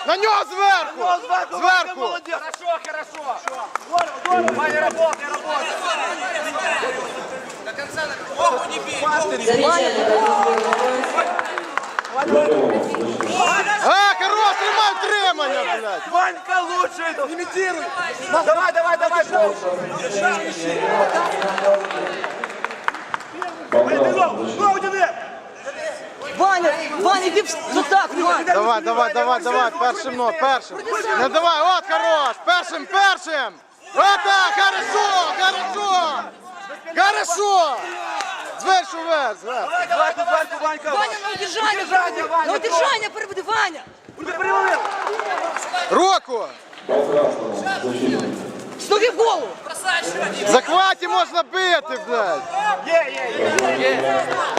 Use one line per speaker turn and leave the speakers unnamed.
На нього зверху! Зверху!
Хорошо, хорошо. Ваня, работай, работай. До конца ногу не бей.
Хорош, тримай утримання, блядь!
Ванька лучше. Имитируй. Давай, давай, давай.
Ваня, Ваня, иди так, Ваня.
Давай, давай, давай, давай, першим, ну, першим. Не давай, от, хорош, першим, першим. Вот так, хорошо, хорошо. Хорошо. Зверху вверх, зверху.
Давай, Ванька, Ванька.
Ваня, на удержание. На удержание перебуди, Ваня.
Руку.
С ноги в голову.
В захваті можна бити, блядь.
Є.